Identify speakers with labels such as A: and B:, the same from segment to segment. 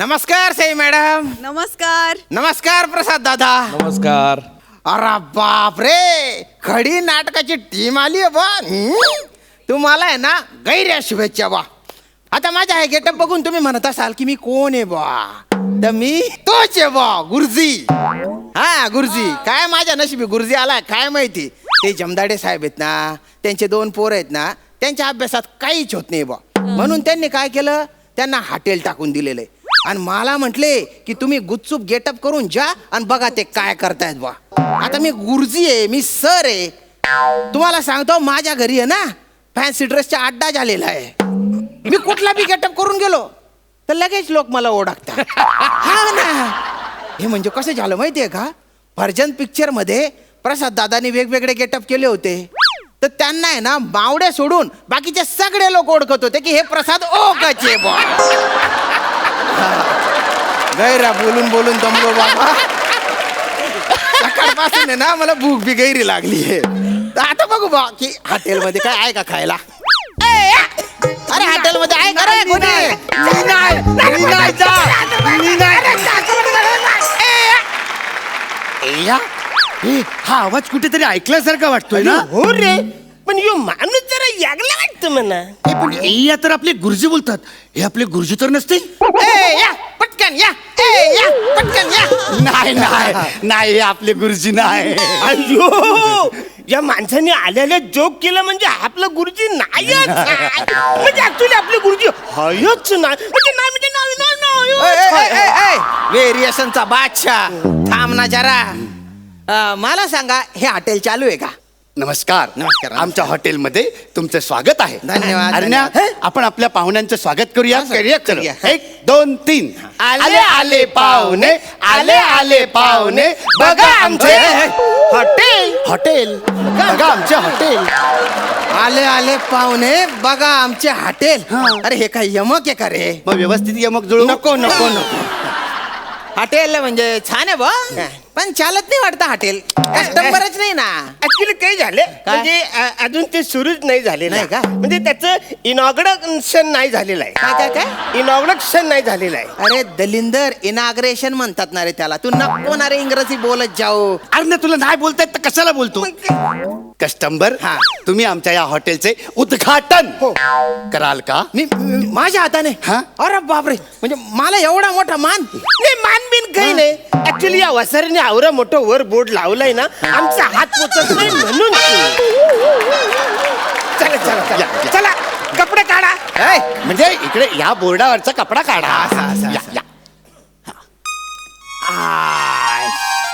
A: नमस्कार सई मॅडम.
B: नमस्कार.
A: नमस्कार प्रसाद दादा.
C: नमस्कार.
A: अरे बाप रे, खडी नाटकाची टीम आली आहे बा. तुम्हाला आहे ना गैर शुभेच्छा बा. आता माझा हे गेटअप बघून तुम्ही म्हणत असाल की मी कोण आहे बा. तर मी तोच आहे बा, गुरुजी. हा गुरुजी. काय माझ्या नशिबी गुरुजी आलाय काय माहिती. ते जमदाडे साहेब आहेत ना, त्यांचे 2 पोरं आहेत ना, त्यांच्या अभ्यासात काहीच होत नाही बा. म्हणून त्यांनी काय केलं, त्यांना हॉटेल टाकून दिलेलं आहे. आणि मला म्हटले की तुम्ही गुपचूप गेटअप करून जा आणि बघा ते काय करतायत बा. आता मी गुरुजी आहे, मी सर आहे. तुम्हाला सांगतो माझ्या घरी आहे ना फॅन्सी ड्रेसचा अड्डा झालेला आहे. मी कुठला बी गेटअप करून गेलो तर लगेच लोक मला ओळखतात. हा ना. हे म्हणजे कसं झालं माहितीये का, भर्जन पिक्चर मध्ये प्रसाद दादानी वेगवेगळे गेटअप केले होते. तर त्यांना आहे ना बावड्या सोडून बाकीचे सगळे लोक ओळखत होते की हे प्रसाद ओकाचे बा. गैरा बोलून बोलून दमलो बाबा. सकाळपासून आहे ना मला भूक बी गैरी लागली आहे. आता बघू बा की हॉटेलमध्ये काय आहे का खायला. अरे हॉटेलमध्ये आहे का रे कोणी.
C: हा आवाज कुठेतरी ऐकल्यासारखा वाटतोय ना.
D: हो रे, पण यो माणूस जरा यागला वाटतं म्हणा.
C: हे पण या तर आपले गुरुजी बोलतात. हे आपले गुरुजी तर नसतील.
A: या पटकन या. या पटकन या.
C: नाही नाही नाही, हे आपले गुरुजी नाही.
D: अयो, या माणसाने आल्याला जोक केला म्हणजे आपलं गुरुजी नाहीच. म्हणजे ऍक्च्युली आपले गुरुजी हयच नाही. म्हणजे नाही म्हणजे नाही.
A: व्हेरिएशनचा बादशाह. थांब ना जरा. मला सांगा हे हॉटेल चालू आहे का.
C: नमस्कार.
A: नमस्कार.
C: आमच्या हॉटेलमध्ये तुमचं स्वागत आहे.
A: धन्यवाद.
C: अरण्या, आपण आपल्या पाहुण्यांचं स्वागत करूया.
A: करूया.
C: 1 2 3. आले आले पाहुणे, आले आले पाहुणे, बघा आमचे
A: हॉटेल.
C: हॉटेल, बघा आमचे हॉटेल.
A: आले आले पाहुणे, बघा आमचे हॉटेल.
C: हा.
A: अरे हे काय यमक आहे का रे.
C: मग व्यवस्थित यमक जुळू.
A: नको नको नको. हॉटेल म्हणजे छान आहे बा, पण चालत नाही वाटतं हॉटेल. कस्टमरच नाही ना.
D: ऍक्च्युली काय झालं म्हणजे अजून ते सुरूच नाही झालेलं
A: नाही का?
D: म्हणजे त्याचं इनॉग्रेशन नाही झालेलं आहे.
A: काय काय काय.
D: इनॉग्रेशन नाही झालेलं आहे.
A: अरे दलिंदर, इनाग्रेशन म्हणतात ना रे त्याला. तू नको ना रे इंग्रजी बोलत जाऊ.
C: अरे तुला नाही बोलतायत तर कशाला बोलतो. कस्टमर,
A: हा.
C: तुम्ही आमच्या या हॉटेलचे उद्घाटन कराल का.
A: मी माझ्या हाताने.
C: हा?
A: अरे बापरे, म्हणजे मला एवढा मोठा मान.
D: नाही मानबीन काही नाही. ऍक्च्युली या वसारीने आवरा मोठं वर बोर्ड लावलाय ना, आमचा हात पोचत नाही म्हणून. चला चला
C: या,
D: चला
C: या.
D: चला कपडे काढा.
A: ऐ,
C: म्हणजे इकडे या बोर्डावरचा कपडा काढा.
A: असा, असा,
C: या,
A: असा.
C: या.
A: आय.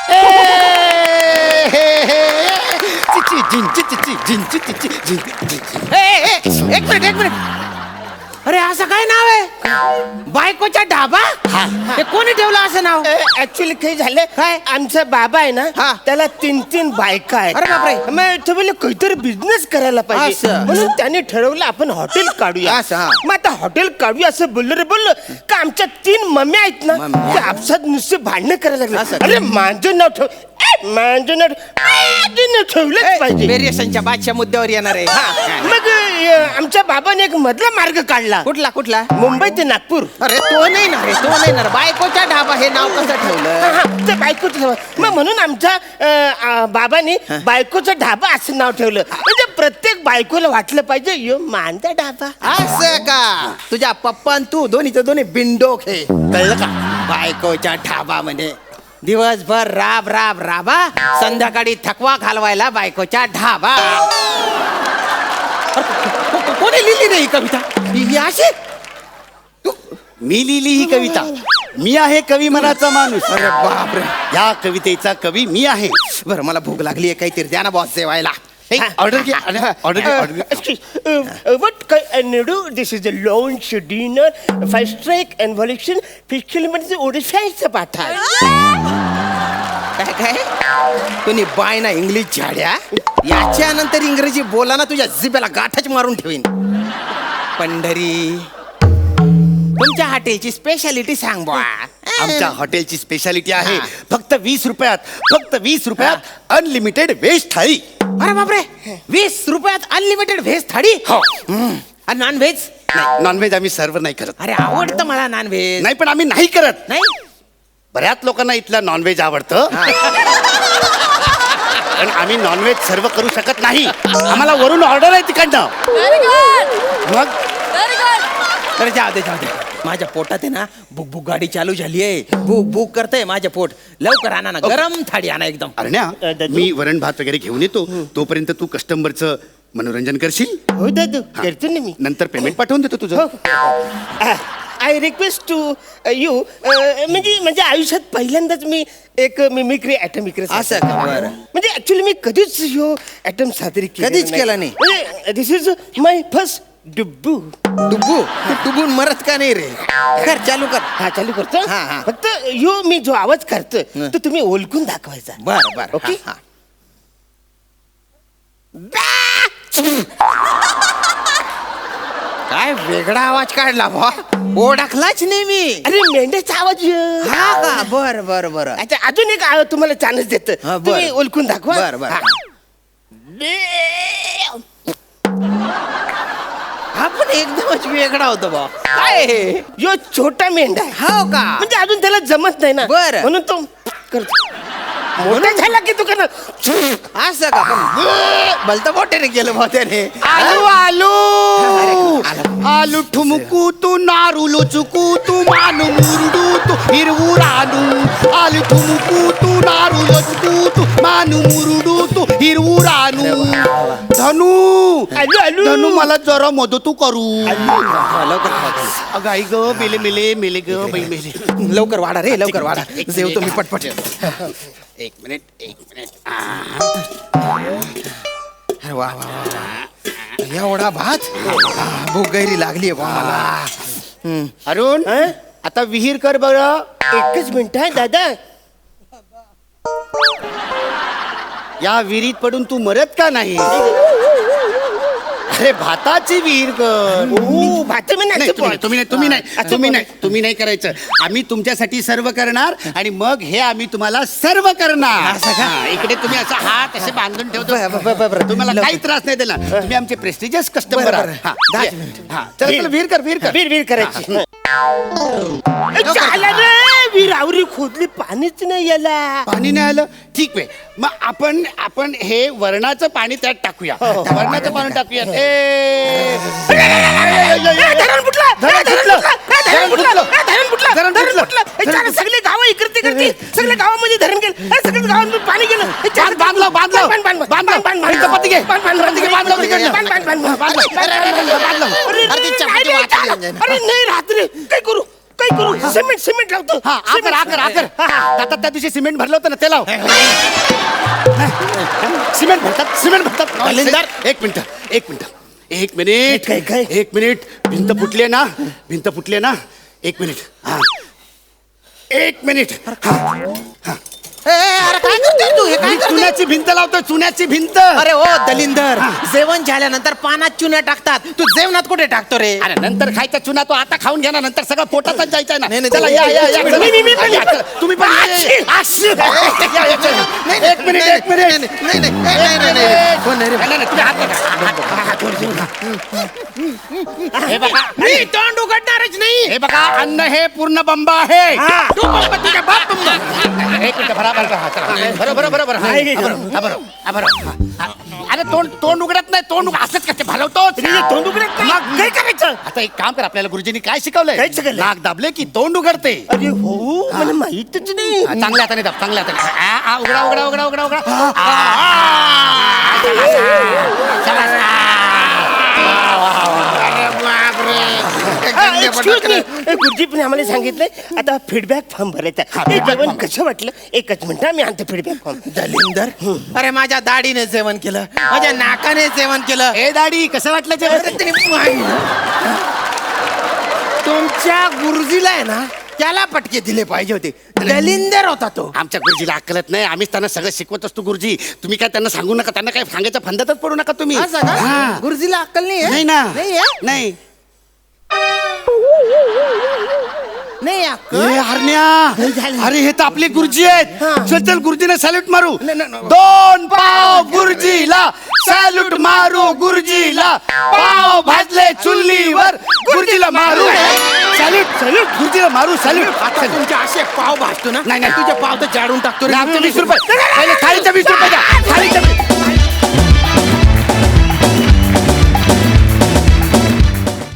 C: चिची, झिंची, चिची, झिंची, चिची, झिंची, झिंची.
A: एक मिनिट. अरे असं काय नाव आहे. बायकोचा ढाबा. हे कोणी ठेवलं असं नाव.
D: ऍक्च्युली काही झालं
A: काय?
D: आमचा बाबा आहे ना,
A: हा.
D: त्याला 3 बायका आहेत.
A: अरे बापरे.
D: मग तो बोलले काहीतरी बिझनेस करायला पाहिजे
A: असं.
D: म्हणून त्याने ठरवलं आपण हॉटेल काढूया.
A: असं, हा.
D: मग आता हॉटेल काढूया असं बोललो का आमच्या 3 मम्मी आहेत ना,
A: मम्म्या.
D: त्या आपसात नुसते भांडणं करायला लागले.
A: असं.
D: अरे माझं नाव ठेव, माझं नाव ठेवलंच पाहिजे.
A: व्हेरिएशनच्या बादशा मुद्द्यावर येणार आहे. हा.
D: मग आमच्या बाबाने एक मधला मार्ग काढला,
A: कुठला कुठला.
D: मुंबई ते नागपूर.
A: अरे तो नाही ना रे, तो नाही ना. बायकोचा ढाबा हे नाव कसं ठेवलं.
D: ते बायकोचं नाव. मग म्हणून आमच्या बाबांनी बायकोचं ढाबा असं नाव ठेवलं. म्हणजे प्रत्येक बायकोला वाटलं पाहिजे यो माझा ढाबा.
A: असं का. तुझ्या पप्पा आणि तू दोन्ही बिंडोक हे.
C: कळलं का.
A: बायकोच्या ढाबा म्हणे. दिवसभर राब राब राबा, संध्याकाळी थकवा घालवायला बायकोच्या ढाबा. कोणी लिहिली नाही ही कविता. ही अशी.
C: मी लिहिली ही कविता. मी आहे कवी मनाचा माणूस.
A: अरे बापरे.
C: या कवितेचा कवी मी आहे.
A: बरं मला भूक लागली आहे, काहीतरी द्या ना बॉस जेवायला.
C: ऑर्डर घे, ऑर्डर घे.
D: What can I do? This is a lunch, dinner, 5 strike and evolution. Fiscal म्हणजे ओडिशाचं पाठ आहे.
A: काय काय तुम्ही बाय ना इंग्लिश झाड्या. याच्या नंतर इंग्रजी बोला ना, तुझ्या जिभेला गाठच मारून ठेवीन. पंढरी, तुमच्या हॉटेलची स्पेशालिटी सांग बा.
C: आमच्या हॉटेलची स्पेशालिटी आहे फक्त 20 रुपयात, फक्त 20 रुपयात अनलिमिटेड व्हेज थाळी.
A: अरे बापरे, 20 रुपयात अनलिमिटेड व्हेज थाळी.
C: हो.
A: आणि नॉन व्हेज.
C: नाही नॉनव्हेज आम्ही सर्व नाही करत.
A: अरे आवडतं मला नॉनव्हेज.
C: नाही पण आम्ही नाही करत.
A: नाही
C: बऱ्याच लोकांना इथलं नॉनव्हेज आवडतं पण आम्ही नॉनव्हेज सर्व करू शकत नाही. आम्हाला वरून ऑर्डर आहे तिकडनं.
B: व्हेरी गुड
C: मग
B: व्हेरी गुड.
A: अरे जाऊ दे माझ्या पोटात आहे ना बुक बुक गाडी चालू झाली आहे. बुक बुक करतंय माझं पोट. लवकर आणा ना गरम थाळी आणा एकदम.
C: अरण्या
D: दादू?
C: मी वरण भात वगैरे घेऊन येतो तोपर्यंत तू कस्टमरचं मनोरंजन करशील.
D: हो दादू करतो ना मी.
C: नंतर पेमेंट पाठवून देतो तुझं.
D: आय रिक्वेस्ट टू यू म्हणजे माझ्या आयुष्यात पहिल्यांदाच मी एक मिमिक्री ॲटम
A: असं का? बरं.
D: म्हणजे ऍक्च्युली मी कधीच ह्यो ॲटम सादरी
A: कधीच केला नाही.
D: म्हणजे दिस इज माय फर्स्ट डुब्बू.
A: डुबू तू डुबून मरत का नाही रे. कर चालू कर.
D: हा चालू करतो.
A: हा, हा.
D: फक्त यो मी जो आवाज करतो तो तुम्ही ओळखून दाखवायचा.
A: बर बर
D: ओके?
A: हा, हा. काय वेगळा आवाज काढला बा. ओळखलाच नाही मी.
D: अरे मेंढ्याचा आवाज
A: हा का बर बर बर.
D: अच्छा अजून एक तुम्हाला चान्स देतो.
A: हा, बरं.
D: तुम्ही ओळखून दाखवा.
A: बर बर.
D: हा.
A: हा पण एकदमच वेगळा होता बा. काय हे?
D: यो छोटा मेंढा आहे.
A: हो का.
D: म्हणजे अजून त्याला जमत नाही ना.
A: बरं.
D: म्हणून तो करतो. मोठा झाला की तू करणार.
A: असं का पण भलतं मोठ्याने केलं बा त्याने.
C: आलू आलू
A: आला.
C: आलू ठुमकू तू नारू चुकू तू मानू मुरडू तू हिरवू रानू. आलू ठुमकू तू नारू चुकू तू मानू मुरडू तू हिरवू रानू. धनू
D: आलू आलू
C: धनू मला जरा मदतू करू.
A: हा, लवकर वाढा.
C: अगं आई ग मेले मेले मेले ग बाई मेले.
A: लवकर वाढा रे लवकर वाढा. जेवतो मी पटपट.
C: एक मिनिट.
A: अरे वा वा वा. एवढा भात. भूक गैरी लागली बा मला.
C: अरुण
D: हं?
C: आता विहीर कर बरं.
D: एकच मिनिट आहे दादा.
C: या विहिरीत पडून तू मरत का नाही. अरे भाताची विहीर कर.
D: ओ भात मी
C: नाही,
D: नाही
C: तुम्ही नाही करायचं. आम्ही तुमच्यासाठी सर्व करणार आणि मग हे आम्ही तुम्हाला सर्व करणार.
A: असं का?
C: हा, इकडे तुम्ही असं हात असे बांधून ठेवतो.
A: बरं.
C: तुम्हाला काही त्रास नाही दिला. तुम्ही आमचे प्रेस्टिजियस कस्टमर
A: बरं,
C: आहात.
A: बरं.
C: हा,
A: 10
C: ये.
A: मिनिटं.
C: हा, चला विहीर कर विहीर कर.
D: वीर करायची. झालं रे वीर आवरी खोदली पाणीच नाही याला.
C: पाणी नाही आलं ठीक आहे. मग आपण हे वरणाचं पाणी त्यात टाकूया. वरणाचं पाणी टाकूया.
D: धरण फुटलं. सगळे गाव इकडे तिकडे सगळ्या गावामध्ये धरण गेलं. सगळ्या गावामध्ये पाणी गेलं. अरे नाही रात्री काय करू सिमेंट लावतो.
C: हा आकर आता त्या दिवशी सिमेंट भरलं होतं ना ते लाव. सिमेंट भरतात.
A: दलिंदर.
C: एक मिनिट
D: काय?
C: एक मिनिट भिंत फुटली ना एक मिनिट. हा एक मिनिट.
A: अरे काय करतोय तू. हे काय करतोय?
C: चुन्याची भिंत लावतोय. चुन्याची भिंत.
A: अरे ओ दलिंदर जेवण झाल्यानंतर पानात चुन्या टाकतात. तू जेवणात कुठे टाकतो रे.
C: अरे नंतर खायचा चुना तो आता खाऊन घ्या ना. नंतर सगळं पोटातच जायचंय ना.
A: नाही, नाही,
C: चला
A: नाही,
C: या
A: नाही,
C: चला.
D: मी
C: या, चला. तुम्ही पण या. एक मिनिट
A: कोण नाही रे.
C: नाही, तुम्ही हात नका. हे बघा
A: मी तोंड उघडणारच नाही.
C: हे बघा अन्न हे पूर्ण बंब आहे.
A: तू बंब तुझ्या बाप बंब.
C: एक मिनिट बरोबर अरे तोंड उघडत नाही. तोंड असंच कसे भलवतो.
D: तोंड उघडत नाही.
C: मग
D: काय करायचं.
C: आता एक काम कर. आपल्याला गुरुजींनी काय शिकवलंय.
D: काय शिकवलंय?
C: नाक दाबले की तोंड उघडते.
D: अरे हो मला माहितच नाही.
C: चांगल्या हाताने दाब. चांगल्या हाताने उघडा.
D: एक्सक्यूज मी गुरुजी पण आम्हाला सांगितलंय आता फीडबॅक फॉर्म भरायचा. हे जेवण कसं वाटलं एकच मिनिट मी आणतो फीडबॅक फॉर्म.
A: दलिंदर अरे माझ्या दाढीने जेवण केलं. माझ्या नाकाने जेवण केलं.
C: ए दाढी कसं वाटलं जेवण.
A: तुमच्या गुरुजीला आहे ना त्याला पटके दिले पाहिजे होते. दलिंदर होता तो.
C: आमच्या गुरुजीला अक्कलत नाही. आम्हीच त्यांना सगळं शिकवत असतो गुरुजी. तुम्ही काय त्यांना सांगू नका. त्यांना काय सांगायचं फंदातच पडू नका तुम्ही.
A: असं का?
C: हा.
A: गुरुजीला अक्कल नाही आहे?
C: नाही ना
A: नाही आहे?
C: नाही
A: नाही
C: ए
A: अक्कल
C: हरण्या, अरे हे तर आपले गुरुजी आहेत.
A: हा.
C: चल चल गुरुजीने सॅल्यूट मारू.
A: नाही, नाही, नाही.
C: 2 पाव गुरुजीला सॅल्यूट मारू गुरुजीला. पाव भाजले चुल्लीवर गुरुजीला मारू. सॅल्यूट सॅल्यूट गुरुजीला मारू सॅल्यूट.
A: आता तुमचे असे पाव भाजतो ना
C: नाही, नाही.
A: तुझे पाव तर जाडून टाकतो रे.
C: आमचे 20 रुपये पहिले थाळीचे 20 रुपये द्या.